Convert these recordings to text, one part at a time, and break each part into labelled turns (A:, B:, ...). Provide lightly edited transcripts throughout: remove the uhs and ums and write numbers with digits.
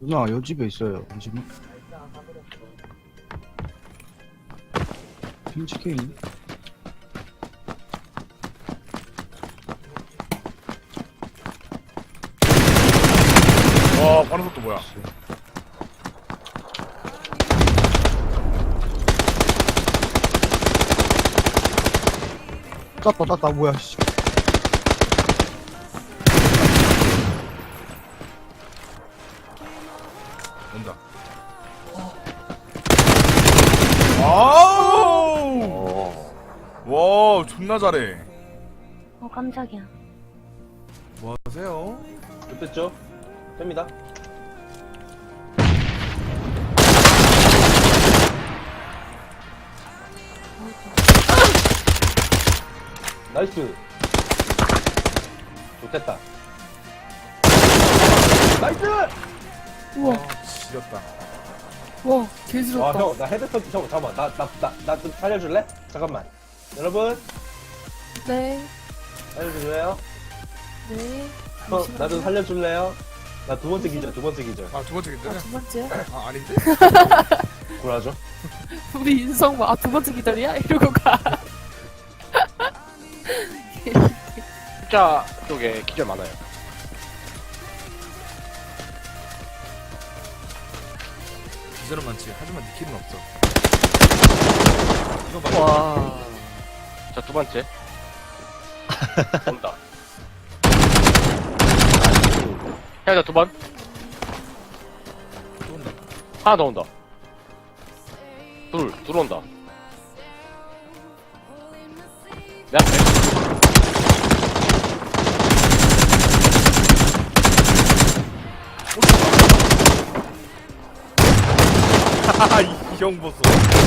A: 누나 요 집에 있어요. 잠시만. 핑치케인.
B: 와 반응 속도 뭐야?
A: 땄다 뭐야 씨.
B: 온다. 아우. 와 존나 잘해.
C: 깜짝이야.
B: 뭐 하세요?
D: 됐죠? 됩니다. 나이스. 좋겠다. 나이스!
C: 우와,
B: 지렸다.
C: 와,
D: 와,
C: 개지럽다.
D: 형, 나 헤드폰, 형, 잠깐만. 나 좀 살려줄래? 잠깐만. 여러분,
C: 네,
D: 살려줘요.
C: 네.
D: 형, 나 좀 살려줄래요? 나 두 번째 기절.
B: 아 두 번째 괜찮아?
C: 두 번째요?
B: 아 아닌데?
D: 굴하죠?
C: 우리 인성 봐. 아, 두 번째 기다리야? 이러고 가.
E: 숫자 쪽에 기절 많아요.
B: 기절은 많지. 하지만 니킬은 없어. 이거 봐.
E: 와. 자, 두 번째. 온다. 해야 두 번.
B: 또 온다.
E: 하나 더 온다. 둘 온다. 내 앞에.
B: 하하 이형 보소.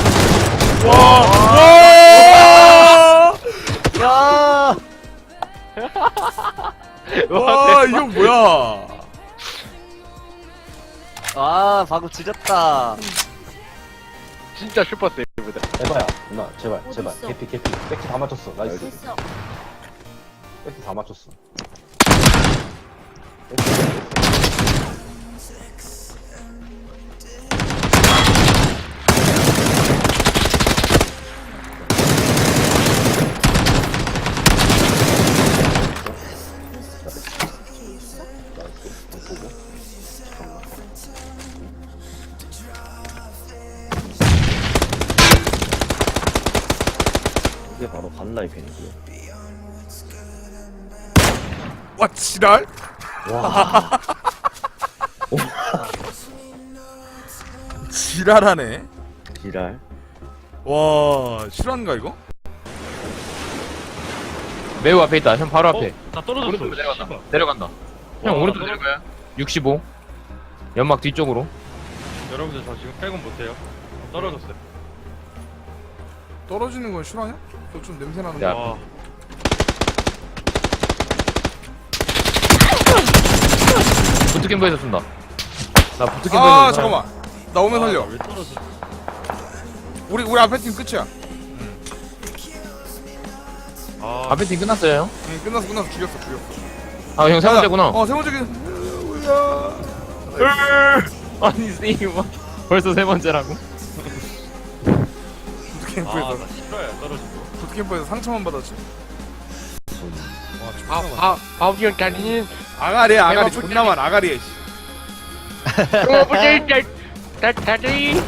B: 와!
A: 야!
B: 와! 이 형 뭐야?
A: 아 방금 지렸다.
E: 진짜 슈퍼 세이브다.
D: 에바야, 누나, 제발.
C: 어딨어?
D: 개피. 백지 다 맞췄어. 나이스.
C: 됐어.
D: 백지 다 맞췄어.
A: 이게 바로 반라이팬이고요.
B: 와 지랄?
A: 와.
B: 지랄하네.
A: 지랄.
B: 와 실화인가 이거?
E: 매우 앞에 있다. 형 바로 앞에.
F: 나 떨어졌어.
E: 오른쪽으로 내려간다.
F: 씨발.
E: 내려간다. 형
F: 와,
E: 오른쪽
F: 나
E: 내려가요. 65. 연막 뒤쪽으로.
F: 여러분들 저 지금 탈건 못해요. 떨어졌어요.
B: 떨어지는 건 실화냐? 저 좀 냄새 나는데.
E: 야.
F: 와.
E: 부트캠프에서 쏜다. 나 부트캠프에서
B: 아 잠깐만. 나 오면 살려.
F: 왜 떨어졌어?
B: 우리 앞에 팀 끝이야.
F: 아,
E: 앞에 팀 끝났어요 형?
B: 응 끝났어 죽였어.
E: 아 형 세 번째구나.
B: 세 번째긴.
E: 아니 세이브 벌써 세 번째라고?
B: 부트캠프에서
F: 아, 나 싫어요. 떨어진 거.
B: 부트캠프에서 상처만 받았지. 와 존나 많아.
E: 아우디언 다리는
B: 아가리야 아가리
E: 대박
B: 존나 많아 아가리에. 씨.
E: 다리.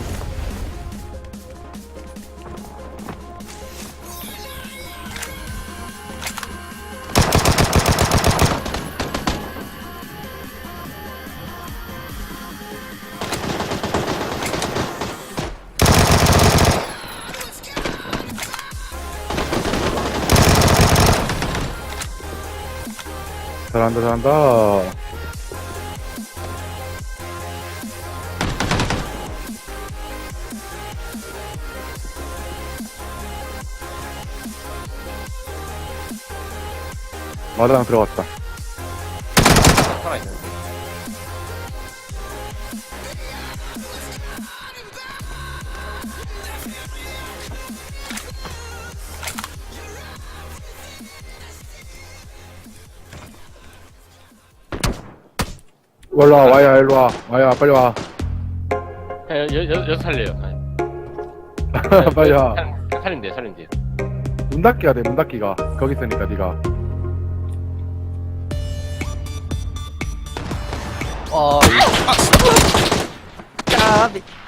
A: 잘한다. 마당 들어갔다.
E: 살아있네.
A: 일로 와, 와야, 일로 와. 와야, 빨리 와.
E: 여섯 살래요.
A: 빨리 와.
E: 살인돼요, 살인돼요.
A: 문 닫기가 돼, 문 닫기가. 거기 있으니까, 니가.
D: 어,
B: 까비.